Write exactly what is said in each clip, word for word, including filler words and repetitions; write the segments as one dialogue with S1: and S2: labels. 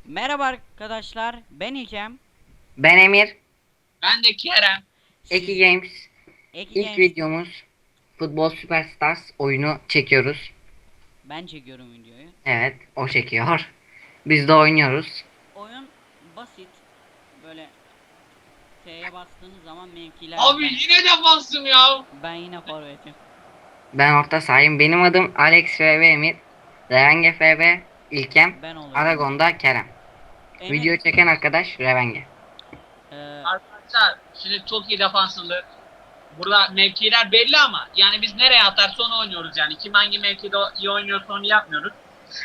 S1: Merhaba arkadaşlar, ben İlkem.
S2: Ben Emir.
S3: Ben de Kerem.
S2: Eki
S1: Siz
S2: Games.
S1: Eki
S2: İlk
S1: Games,
S2: videomuz Futbol Superstars oyunu çekiyoruz.
S1: ben çekiyorum videoyu.
S2: Evet, o çekiyor. Biz de oynuyoruz.
S1: Oyun basit, böyle T'ye bastığınız zaman mevkiler.
S3: Abi
S1: ben,
S3: yine defansım ya.
S1: ben yine forvetim.
S2: Ben orta sahayım. Benim adım Alex F V Emir. Revenge F V İlkem.
S1: Ben oluyorum.
S2: Aragon'da Kerem.
S1: Emir,
S2: Video çeken arkadaş Revenge.
S1: e,
S3: Arkadaşlar şimdi çok iyi defanslıdır. Burada mevkiler belli ama yani biz nereye atarsa onu oynuyoruz yani. Kim hangi mevkide iyi oynuyorsa onu yapmıyoruz.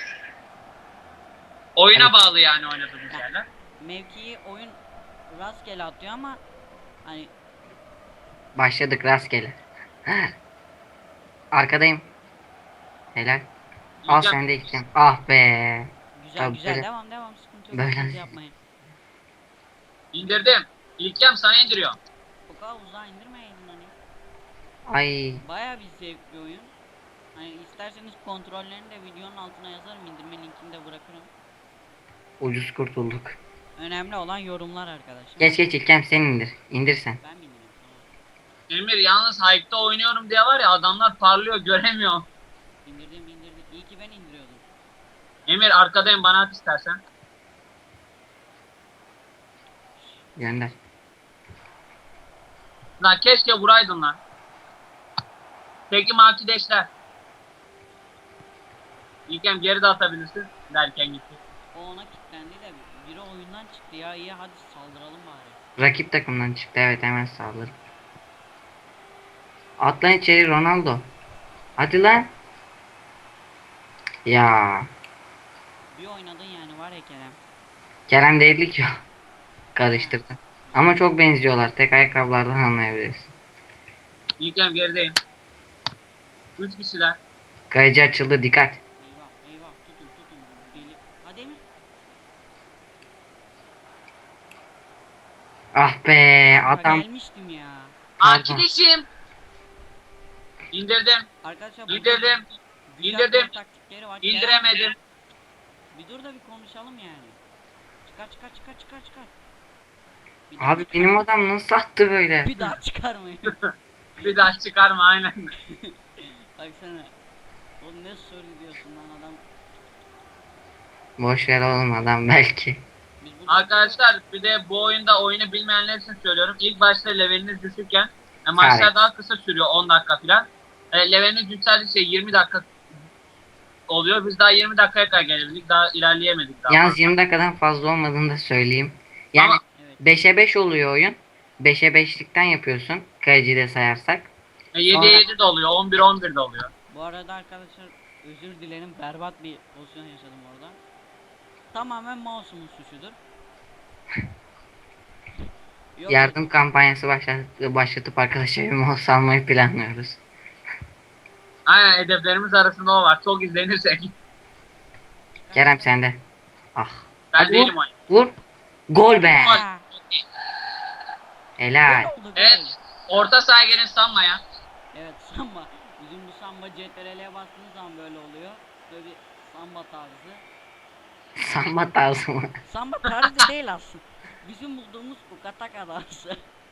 S3: Oyuna
S2: Evet.
S3: bağlı yani oynadığımız yerler.
S1: mevkiyi oyun rastgele atıyor ama hani
S2: Başladık rastgele. Arkadayım. Helal. Al
S3: İlkem,
S2: sen de İlkem. Ah be.
S1: güzel
S2: Tabii
S1: güzel
S2: böyle-
S1: devam devam sıkıntı yok.
S2: böyle-
S1: Sıkıntı yapmayın.
S3: indirdim. İlkem sana indiriyor.
S1: O kadar uzağa indirmeyin hani.
S2: Ay.
S1: Baya bir zevkli oyun. Hani isterseniz kontrollerini de videonun altına yazarım, indirme linkini de bırakırım.
S2: Ucuz kurtulduk.
S1: Önemli olan yorumlar arkadaşlar.
S2: Geç geç İlkem sen indir. İndir sen.
S1: Ben mi indireyim? Tamam.
S3: Emir yalnız Hype'da oynuyorum diye var ya adamlar parlıyor göremiyor.
S1: İndirdim indirdim. İyi ki ben indiriyordum.
S3: Emir arkadayım bana at istersen.
S2: Gönder.
S3: Lan keşke vuraydın lan. Peki makideşler. İlkem geri de atabilirsin derken gitti.
S1: O ona kilitlendi de biri oyundan çıktı ya. İyi hadi saldıralım bari.
S2: Rakip takımdan çıktı, evet, hemen saldırı. Atlan içeri Ronaldo. Hadi lan. Ya.
S1: Bir oynadın yani var ya Kerem.
S2: Kerem değildi ki o. Karıştırdı. Ama çok benziyorlar. Tek ayakkabılardan anlayabilirsin.
S3: İlkem gerideyim. Üç kişiler.
S2: Kayıcı açıldı, dikkat.
S1: Eyvah eyvah tutun tutun. Deli. Hadi Emir.
S2: Ah be
S1: Kanka
S2: adam.
S1: gelmiştim ya.
S2: Pardon.
S3: Arkadaşım. İndirdim.
S1: Arkadaşlar bu
S3: İndirdim.
S1: güzel
S3: İndirdim.
S1: gol taktikleri var.
S3: İndiremedim.
S1: Kerem, bir dur da bir konuşalım yani. Çıkar çıkar çıkar çıkar çıkar. Bir daha
S2: Abi
S1: çıkar.
S2: benim adam nasıl attı böyle?
S1: Bir daha çıkarmayın.
S3: Bir daha çıkarma aynen.
S1: Baksana. O ne söylüyorsun lan adam.
S2: Boş ver oğlum, adam belki.
S1: Biz burada
S3: Arkadaşlar bir de bu oyunda oyunu bilmeyenler için söylüyorum. İlk başta leveliniz düşükken e, maçlar
S2: Evet.
S3: daha kısa sürüyor on dakika falan. E, leveliniz yükseldikçe yirmi dakika oluyor. Biz daha yirmi dakikaya kadar gelebildik. Daha ilerleyemedik daha.
S2: Yalnız yirmi dakikadan fazla olmadığını da söyleyeyim. Yani
S3: Ama-
S1: evet.
S2: beşe beş oluyor oyun. beşe beşlikten yapıyorsun. Kayıcıyı da sayarsak.
S3: E, yediye yedi de oluyor. on bir on bir de oluyor.
S1: Bu arada arkadaşlar özür dilerim, berbat bir pozisyon yaşadım orada. Tamamen mouse'umun suçudur. Yok,
S2: Yardım kampanyası başlat başlatıp arkadaşa bir mouse almayı planlıyoruz.
S3: Aynen hedeflerimiz arasında o var. Çok izlenirsek.
S2: Kerem sende. Ah.
S3: Ben
S2: Hadi
S3: değilim
S2: vur.
S3: oyun.
S2: Vur. Gol be.
S3: Gol.
S1: Ha,
S2: Helal.
S1: gol oldu, gol.
S3: Evet. Orta sahaya gelin sanmaya.
S1: Evet samba. Bizim bu samba C T R L'ye bastığınız zaman böyle oluyor. Böyle bir samba tarzı.
S2: Samba tarzı mı?
S1: Samba tarzı değil aslında. Bizim bulduğumuz bu kataka tarzı.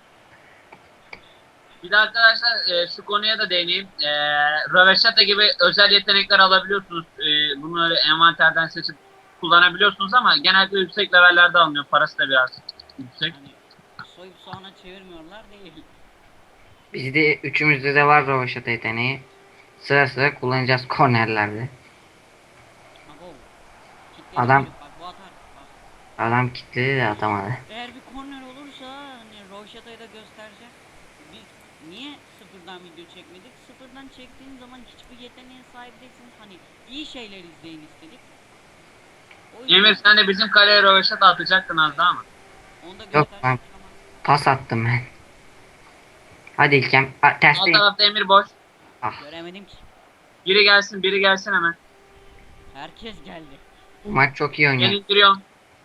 S3: Bir de arkadaşlar e, şu konuya da değineyim. E, Röveşata gibi özel yetenekler alabiliyorsunuz. E, bunu öyle envanterden seçip kullanabiliyorsunuz ama genelde yüksek levellerde alınıyor. Parası da biraz yüksek.
S1: Hani soyup soğana çevirmiyorlar değil.
S2: Bizde üçümüzde de var rovaşata yeteneği. Sıra sıra kullanacağız kornerlerde.
S1: Abo. Kitledi
S2: Adam-
S1: çocuk, bak bu atar. Bak.
S2: Adam kitledi de atamadı.
S1: Eğer bir korner olursa hani Roşata'yı da gösterecek. Biz niye sıfırdan video çekmedik? Sıfırdan çektiğin zaman hiçbir yeteneğe sahip değilsiniz. Hani iyi şeyler izleyin istedik. O yüzden
S3: Emir sen de bizim kaleye Röveşata atacaktın az daha mı?
S1: onu da
S2: Yok
S1: gösterecek
S2: lan.
S1: ama
S2: Pas attım ben. Hadi İlkem. A,
S3: Alt
S2: tersteyim.
S3: tarafta Emir boş.
S2: Ah.
S1: göremedim ki.
S3: Biri gelsin biri gelsin hemen.
S1: Herkes geldi.
S2: Bu maç çok iyi
S3: Ben
S2: oynuyor.
S3: indiriyorum.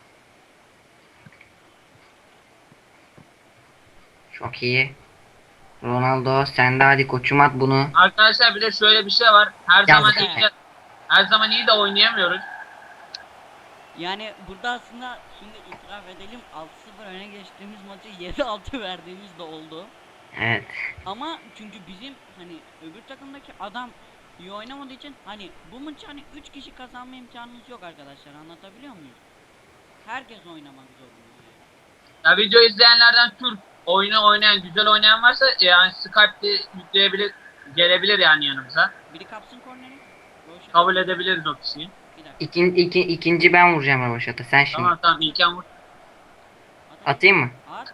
S2: Çok iyi. Ronaldo sen de hadi koçum at bunu.
S3: Arkadaşlar bir de şöyle bir şey var. Her
S2: Ya
S3: zaman
S2: zaten-
S3: iyi de, her zaman iyi de oynayamıyoruz.
S1: Yani burada aslında şimdi itiraf edelim, altı sıfır öne geçtiğimiz maçı yedi altı verdiğimiz de oldu.
S2: Evet.
S1: Ama çünkü bizim hani öbür takımdaki adam iyi oynamadığı için hani bu maçı hani üç kişi kazanma imkanımız yok arkadaşlar, anlatabiliyor muyuz? Herkes oynamak zorunda yani.
S3: Ya video izleyenlerden Türk oyunu oynayan, güzel oynayan varsa yani Skype'de yükleyebilir, gelebilir yani yanımıza.
S1: Biri kapsın korneri. Roşa.
S3: Kabul edebiliriz o kişiyi.
S1: Bir dakika.
S2: İkin, iki, ikinci ben vuracağım Ravaşat'a. Sen şimdi.
S3: Tamam tamam İlken vur.
S1: At, at.
S2: Atayım mı?
S1: At.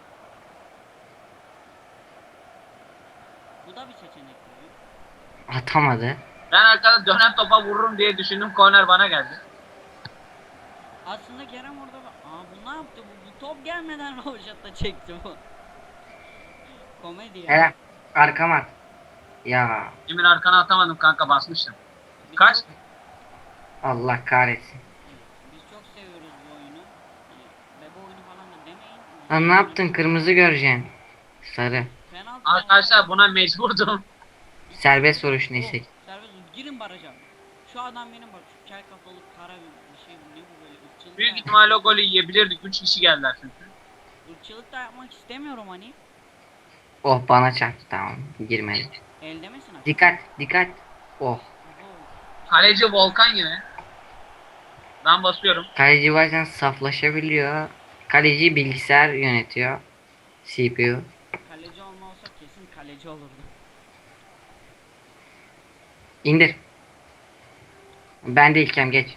S1: Bu da bir seçenek tabii.
S2: Atamadı.
S3: Ben arkada dönen topa vururum diye düşündüm, korner bana geldi.
S1: Aslında Kerem orada bak. Aa bu ne yaptı bu? Bu top gelmeden Roşat'ta çekti bu. Komedi ya.
S2: Hele arkama at. Ya
S3: Emir arkana atamadım kanka, basmıştım.
S1: Biz
S3: Kaç?
S1: çok-
S2: Allah kahretsin.
S1: Biz çok seviyoruz bu oyunu. Hani bebe oyunu falan da demeyin.
S2: Lan ne yaptın? Kırmızı göreceksin. Sarı.
S1: Penaltı.
S3: Arkadaşlar buna mecburdum.
S2: Serbest vuruş
S1: Oh,
S2: neyse.
S1: serbest vur. Girin baraja. Şu adam benim bak, şu kel kafalı kara bir bir şey, bu ne bu böyle ırkçılık
S3: Büyük
S1: da,
S3: ihtimalle o golü yiyebilirdik. üç kişi geldiler çünkü.
S1: ırkçılık da yapmak istemiyorum hani.
S2: Oh bana çarptı tamam. Girmedi.
S1: Elde misin artık?
S2: Dikkat dikkat. Oh.
S1: Oho.
S3: Kaleci Volkan gibi. Ben basıyorum.
S2: Kaleci bazen saflaşabiliyor. Kaleci bilgisayar yönetiyor. C P U.
S1: Kaleci olma olsa kesin kaleci olurdu.
S2: İndir. Ben de İlkem geç.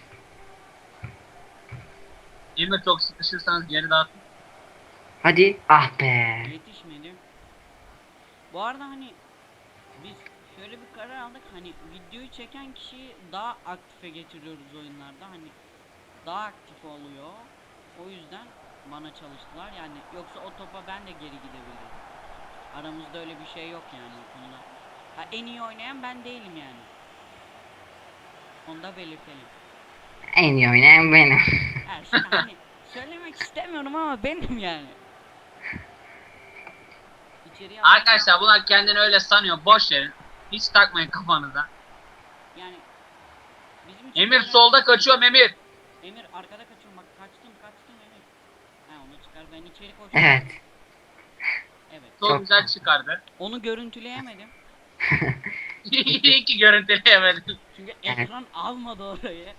S3: Emir çok sıkışırsanız geri dağıtın.
S2: Hadi. Ah be.
S1: Yetişmedi. Bu arada hani biz şöyle bir karar aldık, hani videoyu çeken kişiyi daha aktife getiriyoruz oyunlarda, hani daha aktif oluyor. O yüzden bana çalıştılar yani, yoksa o topa ben de geri gidebilirim. Aramızda öyle bir şey yok yani o konuda. Ha, en iyi oynayan ben değilim yani. Onu da belirtelim.
S2: En iyi oynayan benim.
S1: Her şey hani söylemek istemiyorum ama benim yani. İçeriye alalım.
S3: Arkadaşlar bunlar kendini öyle sanıyor. Boş verin. Hiç takmayın kafanıza.
S1: Yani bizim için
S3: Emir
S1: böyle-
S3: solda kaçıyorum Emir.
S1: Emir arkada kaçıyorum bak, kaçtım kaçtım Emir. Ha onu çıkar, ben içeri koşuyorum.
S2: Evet.
S1: Evet.
S3: Çok
S2: Çok
S3: güzel
S2: güzel.
S3: çıkardı.
S1: Onu görüntüleyemedim.
S3: İyi ki görüntüleyemedim.
S1: Çünkü
S2: Evet.
S1: ekran almadı orayı.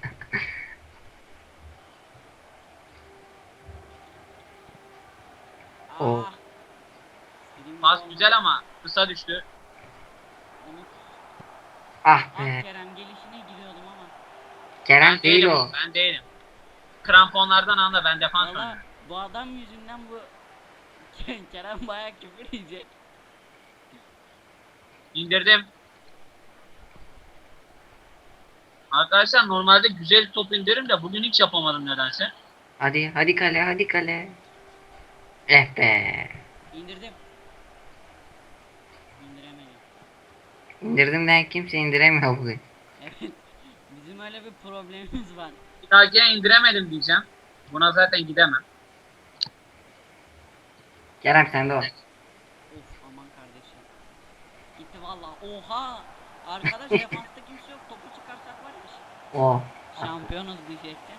S2: O.
S1: Ah. İstediğim gibi
S3: Pas
S1: olmadı.
S3: güzel ama kısa düştü.
S1: Umut.
S2: Ah
S1: Ah
S2: be.
S1: Kerem, gelişine giriyordum ama.
S2: Kerem
S3: Ben
S2: değil
S3: değilim.
S2: o.
S3: Ben değilim. Kramponlardan anla, ben defans
S1: Valla
S3: oynuyorum.
S1: bu adam yüzünden bu Kerem bayağı küfür yiyecek.
S3: İndirdim. Arkadaşlar normalde güzel top indiririm de bugün hiç yapamadım nedense.
S2: Hadi hadi kale hadi kale. Eh be.
S1: İndirdim. İndiremedim.
S2: İndirdim den kimse indiremiyor bugün.
S1: Evet. Bizim öyle bir problemimiz var.
S3: Bir dahakine indiremedim diyeceğim. Buna zaten gidemem.
S2: Kerem sen de o.
S1: Of aman kardeşim. Gitti valla. Oha. Arkadaş defansta kimse yok. Topu çıkarsak var ya.
S2: O.
S1: Şampiyonuz diyecekti.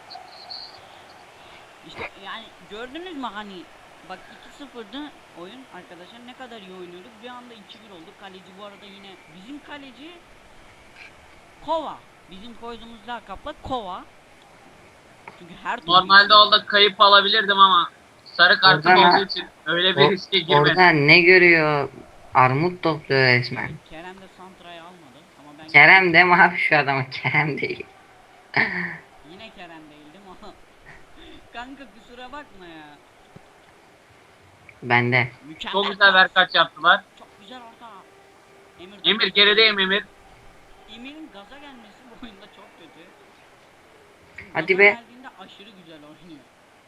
S1: İşte yani gördünüz mü hani, bak iki sıfırdı oyun arkadaşlar, ne kadar iyi oynuyorduk, bir anda iki bir oldu. Kaleci bu arada yine bizim kaleci Kova. Bizim koyduğumuz lakapla Kova. Çünkü her türlü-
S3: Normalde orada kayıp alabilirdim ama sarı kartım
S2: Oradan-
S3: olduğu için öyle bir
S2: O,
S3: riske girmedim.
S2: orada ne görüyor? Armut topluyor resmen.
S1: Kerem de Santra'yı almadı ama ben
S2: Kerem de mi abi şu adama? Kerem değil.
S1: yine Kerem değildim ama kanka kusura bakma ya.
S2: Bende.
S1: Mükemmel.
S3: Çok güzel verkaç yaptılar.
S1: Çok güzel orta. Emir,
S3: Emir gerideyim Emir.
S1: Emir'in gaza gelmesi bu oyunda çok kötü. Çünkü
S2: Hadi
S1: gaza
S2: be.
S1: geldiğinde aşırı güzel oynuyor.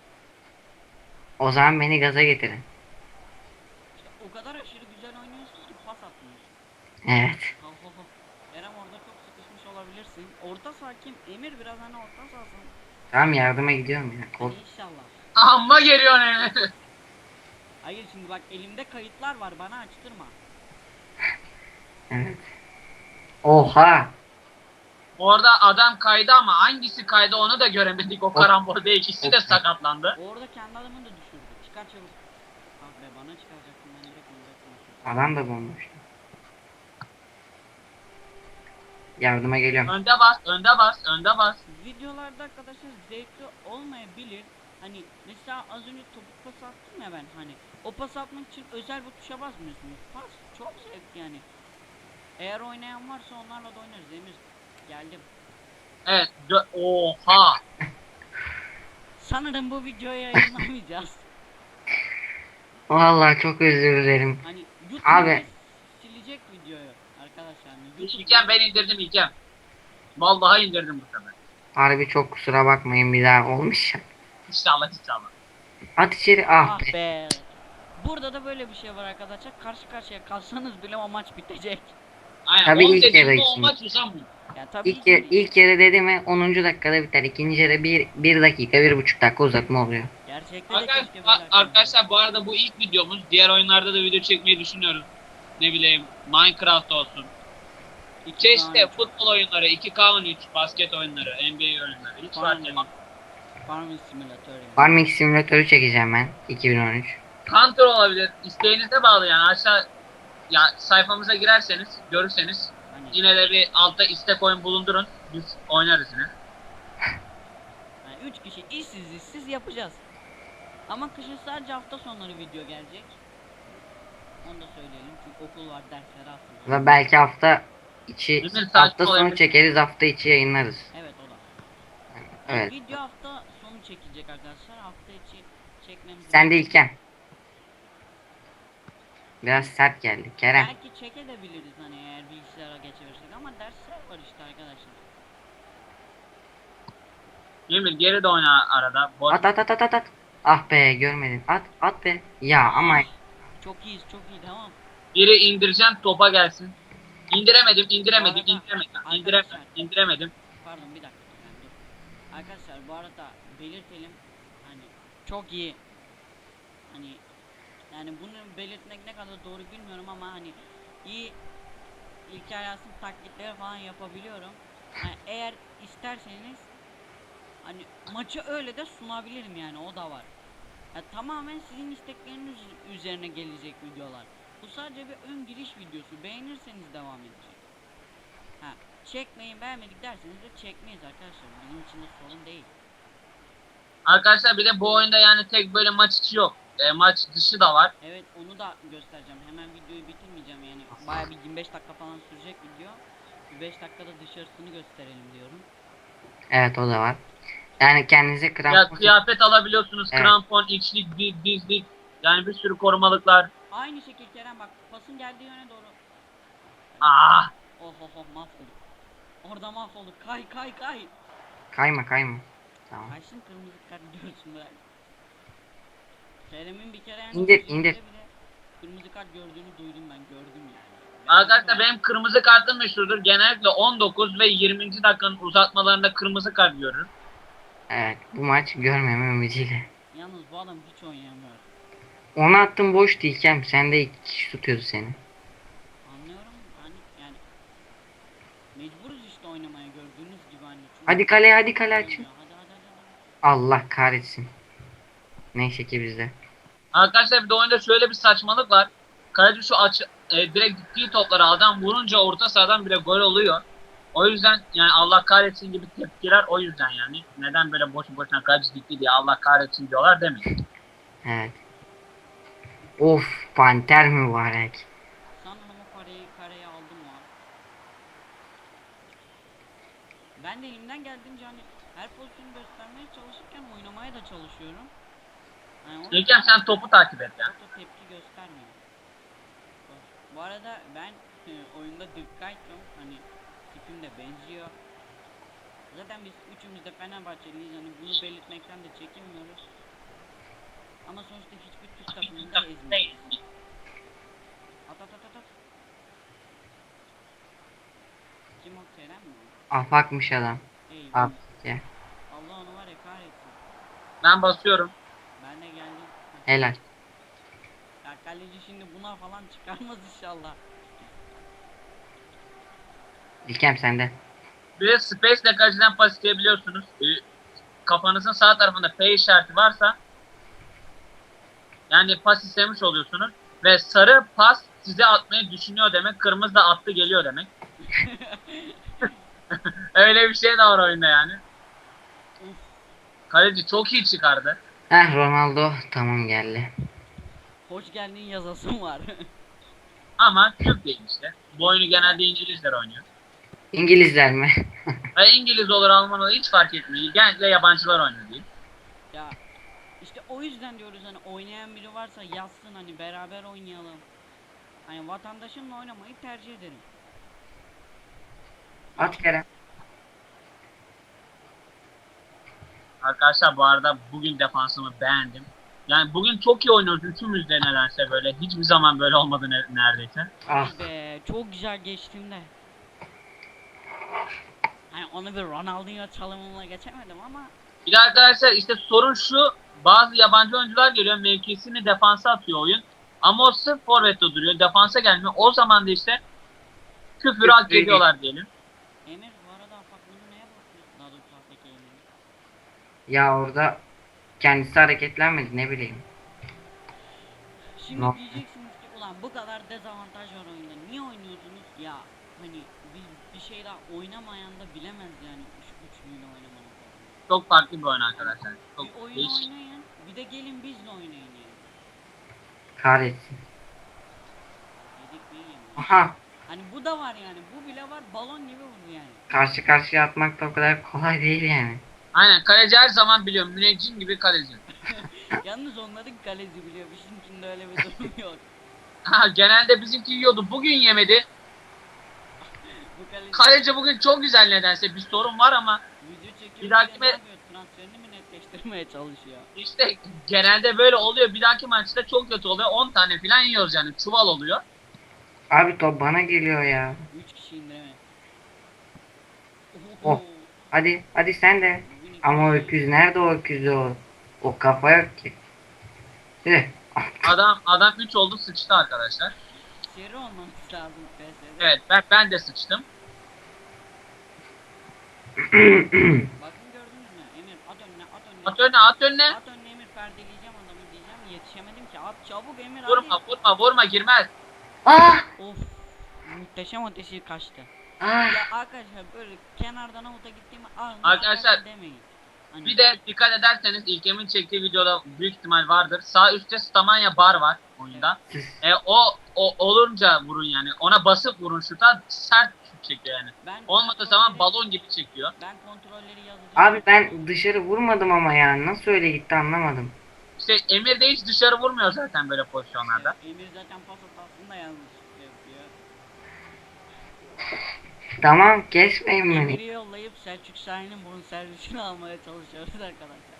S2: O zaman beni gaza getirin.
S1: İşte o kadar aşırı güzel oynuyorsun ki pas atmıyorsun.
S2: Evet.
S1: Ho ho ho. Kerem orada çok sıkışmış olabilirsin. Orta saha kim? Emir biraz hani orta sahasın.
S2: Tamam yardıma gidiyorum ya.
S1: Hadi
S2: Kork.
S1: inşallah.
S3: Amma geliyor Emir.
S1: Hayır şimdi bak elimde kayıtlar var, bana açtırma.
S2: Evet. Oha.
S3: Orada adam kaydı ama hangisi kaydı onu da göremedik o karambolde, ikisi de sakatlandı.
S1: Orada kendi adamını da düşürdü. Çıkar çabuk. Ah be, bana çıkaracaktım, ben direkt olacaktım.
S2: Adam da bomboş. Yardıma geliyorum.
S3: Önde bas, önde bas, önde bas.
S1: Videolarda arkadaşlar zevkli olmayabilir. Hani mesela az önce topuk pas attım ya ben, hani o pas atmak için özel bir tuşa basmıyorsunuz. Pas çok zevkli yani. Eğer oynayan varsa onlarla da oynarız. Emir geldim.
S3: Evet, dö- oha.
S1: Sanırım bu videoyu yayınlamayacağız.
S2: Vallahi çok özür dilerim.
S1: Hani YouTube
S2: Abi.
S1: silecek videoyu arkadaşlar. Hani YouTube
S3: İlkem ben indirdim İlkem. Vallahi indirdim bu sefer.
S2: Harbi çok kusura bakmayın, bir daha olmuş ya.
S3: İnşallah inşallah.
S2: At içeri, ah
S1: ah
S2: be.
S1: be. Burada da böyle bir şey var arkadaşlar. Karşı karşıya kalsanız bile o maç bitecek.
S3: Aynen.
S2: Tabii
S3: on
S2: ilk
S3: dediğimde
S2: yarı
S3: o
S2: için.
S3: maç uzanmıyor.
S1: Ya tabii
S2: İlk,
S1: ki
S2: yer, ilk yarı dedi mi onuncu dakikada biter. İkinci yarı bir, bir dakika, bir buçuk dakika uzatma oluyor.
S1: gerçekten de
S3: Arkadaşlar,
S1: keşke böyle
S3: arkadaşlar bu arada bu ilk videomuz. Diğer oyunlarda da video çekmeyi düşünüyoruz. Ne bileyim Minecraft olsun.
S1: İki
S3: Çeşitli
S1: tane
S3: futbol oyunları, iki K on üç, basket oyunları, N B A oyunları. Hiç fark
S1: Farming,
S3: etmez.
S1: Farming Simulator yani.
S2: Farming Simülatörü çekeceğim ben. iki bin on üç.
S3: Counter olabilir. İsteğinize bağlı yani. Aşağı ya sayfamıza girerseniz, görürseniz
S1: Hani,
S3: yine de bir altta istek oyun bulundurun. Biz oynarız yine.
S1: yani üç kişi işsiz işsiz yapacağız. Ama kışın sadece hafta sonları video gelecek. Onu da söyleyelim çünkü okul var, dersleri aslında.
S2: Ve belki hafta içi,
S3: Değil mi?
S2: hafta
S3: Saçma
S2: sonu
S3: olabilir.
S2: çekeriz, hafta içi yayınlarız.
S1: Evet, o da.
S2: Evet.
S1: Video hafta sonu çekilecek arkadaşlar. Hafta içi çekmemiz.
S2: Sen de İlkem. Biraz sert geldi. Kerem.
S1: Belki çekebiliriz hani eğer bilgisayara geçebilirsek, ama dersler var işte arkadaşlar.
S3: Emir geri de oyna arada. Boş.
S2: At at at at at at. Ah be, görmedin. At at be. Ya ama
S1: Çok iyiyiz, çok iyi, tamam.
S3: Biri indireceğim topa gelsin. İndiremedim, indiremedim,
S1: Bu arada-
S3: indiremedim,
S1: Arkadaşlar-
S3: indiremedim, indiremedim.
S1: Pardon, bir dakika. Yani dur. Arkadaşlar bu arada belirtelim, hani çok iyi, hani yani bunu belirtmek ne kadar doğru bilmiyorum ama hani iyi İlker Yasin taklitleri falan yapabiliyorum. Yani eğer isterseniz hani maçı öyle de sunabilirim, yani o da var. Ya tamamen sizin istekleriniz üzerine gelecek videolar. Bu sadece bir ön giriş videosu. Beğenirseniz devam edecek. Ha, çekmeyin, beğenmedik derseniz de çekmeyiz arkadaşlar. Bizim için de sorun değil.
S3: Arkadaşlar bir de bu oyunda yani tek böyle maç içi yok. E, maç dışı da var.
S1: Evet, onu da göstereceğim. Hemen videoyu bitirmeyeceğim yani. Bayağı bir yirmi beş dakika falan sürecek video. Bir beş dakikada dışarısını gösterelim diyorum.
S2: evet, o da var. Yani kendinize
S3: Ya
S2: krampon.
S3: kıyafet alabiliyorsunuz,
S2: Evet.
S3: krampon, içlik, diz- dizlik. Yani bir sürü korumalıklar.
S1: Aynı şekil Kerem, bak pasın geldiği yöne doğru.
S3: Ah!
S1: Oh oh oh, mahvolduk. Orada mahvolduk. Kay kay kay.
S2: Kayma kayma. Tamam.
S1: Kaçsın, kırmızı kart görsün bırak. Kerem'in bir kere yani
S2: İndir,
S1: üzerinde
S2: indir.
S1: bile kırmızı kart gördüğünü duydum, ben gördüm yani. Ben
S3: Arkadaşlar
S1: gördüm.
S3: benim kırmızı kartım meşhurdur. Genellikle on dokuz ve yirminci dakikanın uzatmalarında kırmızı kart görürüm.
S2: Evet, bu maç görmeme ümidiyle.
S1: Yalnız bu adam hiç oynayamıyor.
S2: Onu attım, boş İlkem. Sen de iki kişi tutuyordu seni.
S1: Anlıyorum hani, yani mecburuz işte oynamaya, gördüğünüz gibi hani. Çünkü
S2: Hadi kaleye, hadi kale
S1: oynuyor.
S2: açın.
S1: Hadi hadi hadi. hadi.
S2: Allah kahretsin. Neyse ki bizde.
S3: Arkadaşlar bir de oyunda şöyle bir saçmalık var. Kaleci şu aç e, direkt gittiği topları adam vurunca orta sahadan bile gol oluyor. O yüzden yani Allah kahretsin gibi tepkiler o yüzden yani. Neden böyle boşu boşuna kaleci gitti diye Allah kahretsin diyorlar demeyin.
S2: Evet. Of, panter mübarek.
S1: Sanırım o kareyi kareye aldım o an. Ben de elimden geldiğince hani her pozisyonu göstermeye çalışırken oynamaya da çalışıyorum. Yani o
S3: İlkem sen topu takip et ya.
S1: çok da tepki göstermiyor. Bu arada ben e, oyunda Dürkayt'ım, hani tipim de benziyor. Zaten biz üçümüz de Fenerbahçeliyiz, hani bunu belirtmekten de çekinmiyoruz. Ama sonuçta hiçbir Türk takımını da ezmiyoruz. At at at at at. Kim o, Kerem mi?
S2: Afakmış adam.
S1: Eyvah.
S2: Af ya.
S1: Allah onu var ya kahretsin.
S3: Ben basıyorum.
S1: Ben de geldim.
S2: Helal.
S1: Ya kaleci şimdi buna falan çıkarmaz inşallah.
S2: İlkem sende.
S3: Bir de Space ile kaleciden pas isteyebiliyorsunuz. Ee, kafanızın sağ tarafında P işareti varsa yani pas istemiş oluyorsunuz. Ve sarı pas size atmayı düşünüyor demek. Kırmızı da attı geliyor demek. Öyle bir şey de var oyunda yani.
S1: Uf.
S3: Kaleci çok iyi çıkardı.
S2: Heh, Ronaldo tamam geldi.
S1: Hoş geldin yazasım var.
S3: Ama Türk değil işte. Bu oyunu genelde İngilizler oynuyor.
S2: İngilizler mi?
S3: Ve İngiliz olur Alman olur hiç fark etmiyor. Genellikle yabancılar oynuyor değil.
S1: Ya işte o yüzden diyoruz hani oynayan biri varsa yazsın hani beraber oynayalım. Hani vatandaşımla oynamayı tercih ederim.
S2: At Kerem.
S3: Arkadaşlar bu arada bugün defansımı beğendim. Yani bugün çok iyi oynuyoruz üçümüz de nedense böyle. Hiçbir zaman böyle olmadı ne- neredeyse.
S2: Ah.
S1: Hadi be çok güzel geçtim de. Hani onu bir Ronaldinho çalımımla geçemedim ama
S3: Bir de arkadaşlar işte sorun şu. Bazı yabancı oyuncular geliyor mevkisini defansa atıyor oyun. Ama o sırf forvette duruyor. Defansa gelmiyor. O zaman da işte küfür hak
S2: Küfür
S3: ediyorlar diyelim.
S1: Emir bu arada apartmanı neye bakıyorsun? Daha doğrusu haftaki Emir.
S2: Ya orada kendisi hareketlenmedi ne bileyim.
S1: Şimdi
S2: Ne?
S1: diyeceksiniz ki ulan bu kadar dezavantaj var oyunda. Niye oynuyorsunuz? Ya hani bir, bir şey daha oynamayan da bilemez yani üç üçlüyle oynamanın.
S3: Çok farklı bir oyun arkadaşlar. Çok
S1: Bir oyun
S3: değişik.
S1: oynayın, bir de gelin bizle oynayın yani.
S2: Kahretsin.
S1: Yedik mi yemedik.
S2: Aha.
S1: Hani bu da var yani, bu bile var, balon gibi vurdu yani.
S2: Karşı karşıya atmak da o kadar kolay değil yani.
S3: Aynen kaleci her zaman biliyorum. Müneccim gibi kaleci.
S1: Yalnız onların kaleci biliyor, bizimkinde öyle bir durum yok.
S3: Ha, genelde bizimki yiyordu. Bugün yemedi.
S1: Bu kaleci
S3: Kaleci bugün çok güzel nedense. Bir sorun var ama
S1: video çekiyor,
S3: Bir dahaki
S1: ne
S3: me-
S1: yapıyor? Transferini mi netleştirmeye çalışıyor?
S3: işte genelde böyle oluyor. Bir dahaki maçta çok kötü oluyor. on tane falan yiyoruz yani. Çuval oluyor.
S2: Abi top bana geliyor ya.
S1: üç kişi indireme.
S2: Oh. Hadi hadi sen de. Ama o öküz nerede o öküz o? O kafa yok ki. Tüh.
S3: Adam adam üç oldu sıçtı arkadaşlar.
S1: Seri olmamız lazım P S'de.
S3: Evet ben ben de sıçtım.
S1: Bakın gördünüz mü? Emir at önüne, at önüne.
S3: At önüne at önüne.
S1: At önüne Emir, perdeleyeceğim adamı diyeceğim. Yetişemedim ki. At çabuk Emir hadi.
S3: Vurma vurma vurma girmez.
S2: Ah!
S1: Of. Muhteşem ateşi kaçtı.
S2: Ah!
S1: Ya arkadaşlar böyle kenardan avuta gittiğimi ah,
S3: Arkadaşlar,
S1: demeyin. Hani
S3: Bir de dikkat ederseniz İlkem'in çektiği videoda büyük ihtimal vardır. Sağ üstte Stamanya bar var oyunda.
S2: Siz
S3: E, o, o olunca vurun yani. Ona basıp vurun şuta sert şut çekiyor yani.
S1: ben
S3: Olmadığı
S1: kontrolleri-
S3: zaman balon gibi çekiyor.
S1: Ben kontrolleri yazacağım.
S2: Abi ben dışarı vurmadım ama ya. Nasıl öyle gitti anlamadım.
S3: İşte Emir de hiç dışarı vurmuyor zaten böyle pozisyonlarda.
S1: Emir zaten pas hatasında yanlış yapıyor.
S2: Tamam kesmeyin beni.
S1: Emir'i yollayıp Selçuk Şahin'in bunun servisini almaya çalışıyoruz arkadaşlar.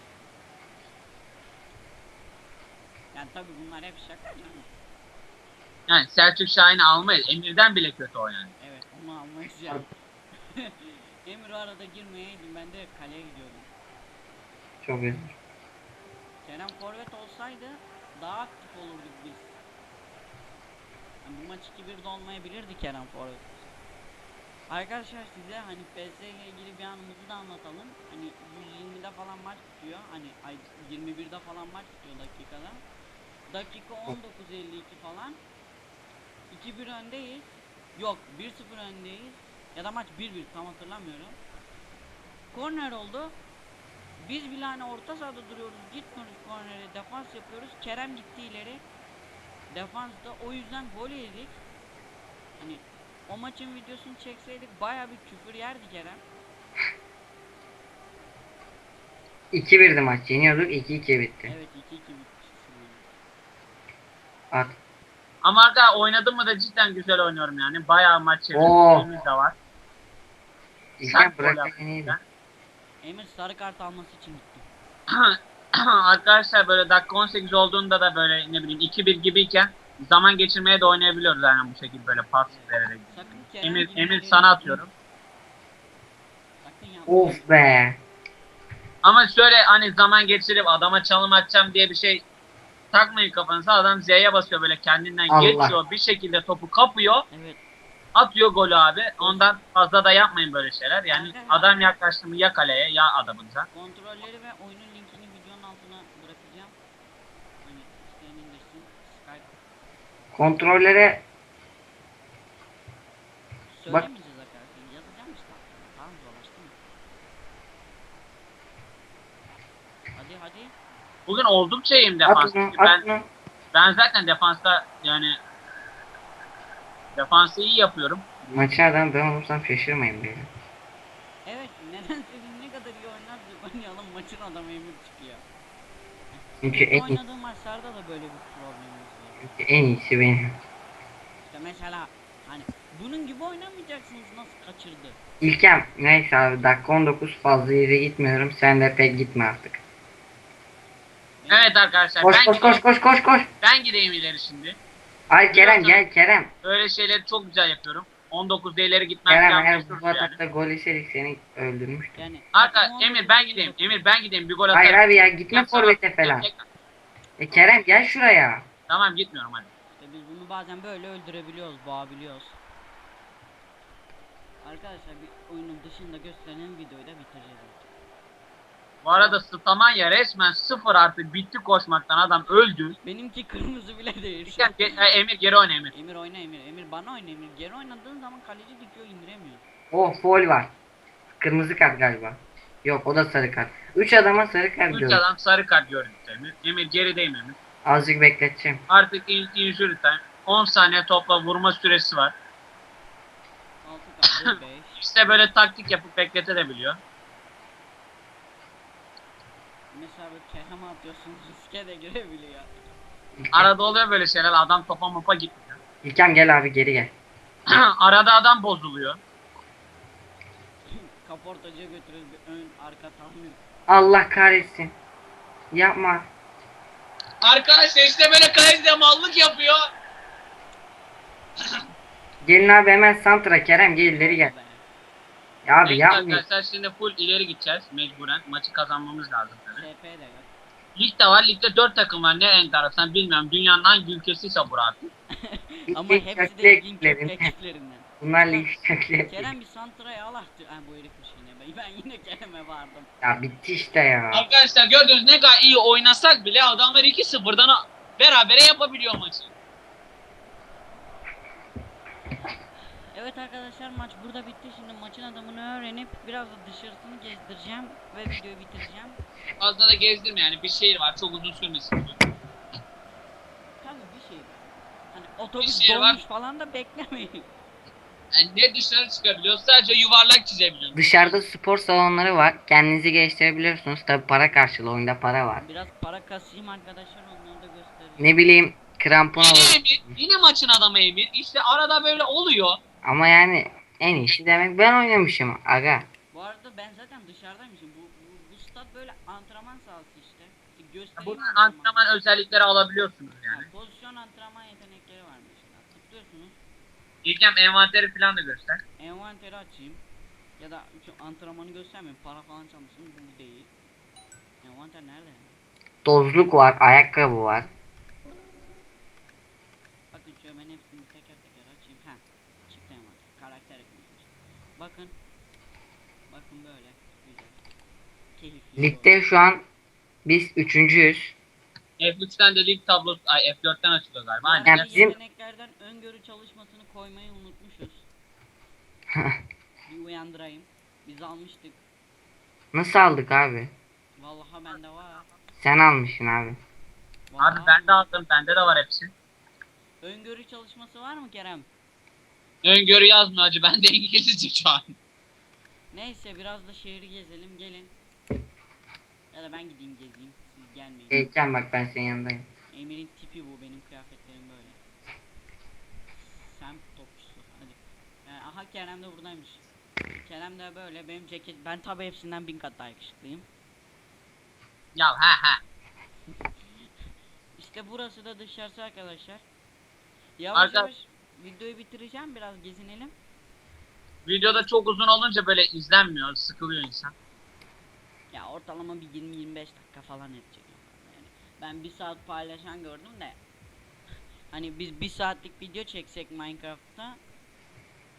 S1: Yani tabi bunlar hep şaka canım.
S3: Yani Selçuk Şahin'i almayız. Emir'den bile kötü o yani.
S1: Evet onu almayız yani. Emir o arada girmeyeydi, ben de kaleye gidiyordum.
S2: Çok özür.
S1: Kerem forvet olsaydı daha aktif olurduk biz. Yani bu maç iki birde olmayabilirdi Kerem forvet. Arkadaşlar size hani P S ile ilgili bir anımızı da anlatalım. Hani yüz yirmide falan maç bitiyor. Hani ay yirmi birde falan maç bitiyor dakikada. Dakika on dokuz elli iki falan. iki bir öndeyiz. Yok bir sıfır öndeyiz. Ya da maç bir bir tam hatırlamıyorum. Korner oldu. Biz bile hani orta sahada duruyoruz. Gitmiyoruz kornere. Defans yapıyoruz. Kerem gitti ileri. Defansta o yüzden gol yedik. Hani o maçın videosunu çekseydik baya bir küfür yerdi Kerem.
S2: iki birdi maç. Yeniyorduk iki iki bitti.
S1: Evet iki iki bitmişsin.
S2: At.
S3: Ama arada oynadım mı da cidden güzel oynuyorum yani. Bayağı maç
S2: Oo.
S3: çevirdiğimiz de var.
S2: İlken
S3: Sert gol
S2: bırak
S3: yaptı
S2: yeniydi.
S3: bizden.
S1: Emir sarı kart alması için gitti.
S3: Arkadaşlar böyle dakika on sekiz olduğunda da böyle ne bileyim iki bir gibiyken zaman geçirmeye de oynayabiliyoruz yani bu şekilde böyle pas vererek.
S1: Sakın Kerem
S3: Emir,
S1: gibi
S3: Emir
S1: ileri-
S3: sana atıyorum.
S1: Sakın yapma.
S2: Of be.
S3: Ama şöyle hani zaman geçirip adama çalım atacağım diye bir şey takmayın kafanıza. Adam Z'ye basıyor böyle kendinden
S2: Allah.
S3: geçiyor bir şekilde topu kapıyor.
S1: Evet.
S3: Atıyor golü abi. Ondan fazla da yapmayın böyle şeyler. Yani adam yaklaştı mı ya kaleye ya adamınıza.
S1: Kontrolleri ve oyunun linkini videonun altına bırakacağım. Hani isteyen indirsin. Skype
S2: Kontrollere
S1: söylemeyeceğiz arkadaşlar. Yazacağım işte. Tamam, dolaştı mı? Hadi hadi.
S3: Bugün oldukça iyiyim
S2: at
S3: defans.
S2: bunu, at
S3: Ben,
S2: bunu.
S3: ben zaten defansta yani defansı iyi yapıyorum.
S2: Maçı adam ben olursam şaşırmayın beni.
S1: Evet, neden senin ne kadar iyi oynarsak oynayalım maçın adamı Emir çıkıyor.
S2: Çünkü en, iyi-
S1: Oynadığım maçlarda da böyle bir problemimiz var.
S2: çünkü en iyisi benim.
S1: İşte mesela hani bunun gibi oynamayacaksınız, nasıl kaçırdı.
S2: İlkem neyse abi dakika on dokuz fazla yere gitmiyorum. Sen de pek gitme artık.
S1: Benim-
S3: Evet arkadaşlar
S2: Koş
S3: ben
S2: koş
S3: gideyim,
S2: koş koş koş koş.
S3: ben gideyim ileri şimdi.
S2: Ay Kerem gel Kerem.
S3: Öyle şeyleri çok güzel yapıyorum. on dokuzda ileri gitmem
S2: Kerem
S3: falan
S2: eğer
S3: meşhur
S2: bu
S3: yani.
S2: atakta gol yeseydik seni öldürmüştüm.
S1: Yani
S3: Arka
S1: takım
S3: Emir
S1: olmadığı
S3: ben
S1: için
S3: gideyim.
S1: yapıyorum.
S3: Emir ben gideyim bir gol atarım.
S2: Hayır abi ya gitme
S3: Yapsana.
S2: forvete falan.
S3: Yap-
S2: E Kerem gel şuraya.
S3: Tamam gitmiyorum hadi.
S1: İşte biz bunu bazen böyle öldürebiliyoruz, boğabiliyoruz. Arkadaşlar bir oyunun dışında gösterilen videoyu da bitireceğiz artık.
S3: Bu arada Stamanya resmen sıfır artı bitti koşmaktan adam öldü.
S1: Benimki kırmızı bile değil.
S3: İlkem, ge- e, Emir geri oyna Emir.
S1: Emir oyna Emir. Emir bana oyna Emir. Geri oynadığın zaman kaleci dikiyor, indiremiyor.
S2: Oh foul var. Kırmızı kart galiba. Yok o da sarı kart. Üç adama sarı kart
S3: Üç
S2: gördüm.
S3: adam sarı kart gördü Emir. Emir gerideyim Emir.
S2: Azıcık bekleteceğim.
S3: Artık in- injury time. on saniye topla vurma süresi var.
S1: altı kaldı, beş.
S3: İşte böyle taktik yapıp bekletebiliyor.
S1: Mesela böyle Kerem atıyorsun, riske de girebiliyor.
S2: İlkem,
S3: Arada oluyor böyle şeyler adam topa mopa gitmiyor.
S2: İlkem gel abi geri gel.
S3: Arada adam bozuluyor.
S1: Kaportacıya götürüyoruz, bir ön arka tahmin.
S2: Allah kahretsin. Yapma.
S3: Arkadaşlar işte böyle kaleci mallık yapıyor.
S2: Gelin abi hemen santra Kerem gel ileri gel. Ya abi
S3: Evet
S2: yapmayın.
S3: arkadaşlar şimdi full ileri gideceğiz mecburen. Maçı kazanmamız lazım tabii.
S1: S P de yok.
S3: Ligde var. Ligde dört takım var. Ne enteresan bilmiyorum. Dünyanın hangi ülkesiyse bu artık.
S1: Ama
S2: İlk
S1: hepsi
S2: köklü
S1: de ligin
S2: ekiplerin.
S1: köklü ekiplerinden.
S2: Bunlar lig kökleri.
S1: Kerem bir santraya al artık. Ha bu herifmiş yine. Ben, ben yine Kerem'e vardım.
S2: Ya bitti işte ya.
S3: Arkadaşlar gördüğünüz ne kadar iyi oynasak bile adamlar iki sıfırdan berabere yapabiliyor maçı.
S1: Evet arkadaşlar, maç burada bitti. Şimdi maçın adamını öğrenip biraz da dışarısını gezdireceğim ve videoyu bitireceğim.
S3: Fazla da gezdirme yani bir şehir var çok uzun sürmesin.
S1: Tabii bir şey var. Hani otobüs
S3: şey var.
S1: dolmuş falan da beklemeyin.
S3: Yani ne dışarı çıkabiliyoruz sadece yuvarlak çizebiliyoruz.
S2: Dışarıda spor salonları var. Kendinizi geliştirebiliyorsunuz. Tabi para karşılığı oyunda para var.
S1: Biraz para kasayım arkadaşlar, onları da göstereceğim.
S2: Ne bileyim krampon
S3: Yine
S2: olur.
S3: Emir, yine maçın adamı Emir. İşte arada böyle oluyor.
S2: Ama yani en iyisi demek ben oynamışım aga.
S1: Bu arada ben zaten dışarıdaymışım. Bu, bu, bu stat böyle antrenman sahası işte. İşte göstereyim
S3: Buradan antrenman özellikleri alabiliyorsunuz yani.
S1: Ha, pozisyon antrenman yetenekleri var mesela. Tıklıyorsunuz.
S3: İlkem envanteri falan da göster.
S1: Envanteri açayım. Ya da şu antrenmanı göstermeyeyim. Para falan çalmışsın. Bu değil. Envanter nerede ya?
S2: Tozluk var, ayakkabı var.
S1: Bakın şöyle ben hepsini teker teker açayım. Ha, çıktı envanter. Karakter eklemiş. Bakın. Bakın böyle. Güzel. Keyifli.
S2: Ligde şu an biz üçüncüyüz.
S3: F üçten de lig tablosu, ay F dörtten açılıyor galiba.
S1: Yani
S3: Aynen.
S2: Yani bizim-
S1: yeteneklerden öngörü çalışmasını koymayı unutmuşuz. Bir uyandırayım. Biz almıştık.
S2: Nasıl aldık abi?
S1: Vallahi bende var.
S2: Sen almışsın abi.
S1: Vallahi
S3: Abi ben de aldım. Bende de var hepsi.
S1: öngörü çalışması var mı Kerem?
S3: Öngörü yazmıyor acı. Bende İngilizce şu an.
S1: Neyse biraz da şehri gezelim, gelin. Ya da ben gideyim gezeyim. Siz gelmeyin.
S2: Geleceğim bak ben senin yanındayım.
S1: Emir'in tipi bu, benim kıyafetlerim böyle. Sen topçusu hadi. Yani, aha Kerem de buradaymış. Kerem de böyle, benim ceket, ben tabi hepsinden bin kat daha yakışıklıyım.
S3: Ya ha ha.
S1: İşte burası da dışarısı arkadaşlar. Yavaş
S3: Arka-
S1: yavaş videoyu bitireceğim, biraz gezinelim.
S3: Videoda çok uzun olunca böyle izlenmiyor. Sıkılıyor insan.
S1: Ya ortalama bir yirmi yirmi beş dakika falan edecek. Yani ben bir saat paylaşan gördüm de. Hani biz bir saatlik video çeksek Minecraft'ta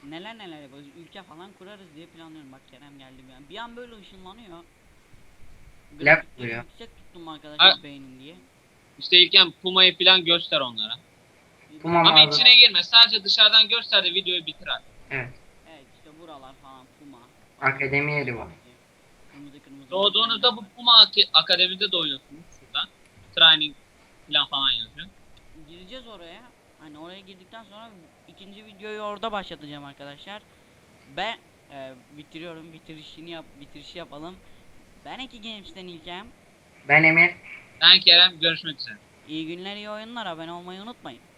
S1: neler neler yaparız. Ülke falan kurarız diye planlıyorum. Bak Kerem geldi bir an. Bir an böyle ışınlanıyor.
S2: Lag
S1: Grafikleri
S2: vuruyor.
S1: yüksek tuttum arkadaşlar
S3: Ha.
S1: beynin diye.
S3: İşte İlkem Puma'yı falan göster onlara.
S2: Puma
S3: Ama
S2: mağaza-
S3: içine girme. Sadece dışarıdan göster de videoyu bitir artık.
S2: Evet.
S1: Evet işte buralar falan Puma.
S2: Akademi yeri var.
S1: Kırmızı kırmızı.
S3: Doğduğunuzda bu Puma Ak- Akademi'de doğuyorsunuz şuradan. Training falan falan yazıyor.
S1: Gireceğiz oraya. Hani oraya girdikten sonra ikinci videoyu orada başlatacağım arkadaşlar. Ben e, bitiriyorum. Bitirişini yap bitirişi yapalım. Ben Eki Games'ten İlkem.
S2: Ben Emir.
S3: Ben Kerem, görüşmek üzere.
S1: İyi günler, iyi oyunlar. Abone olmayı unutmayın.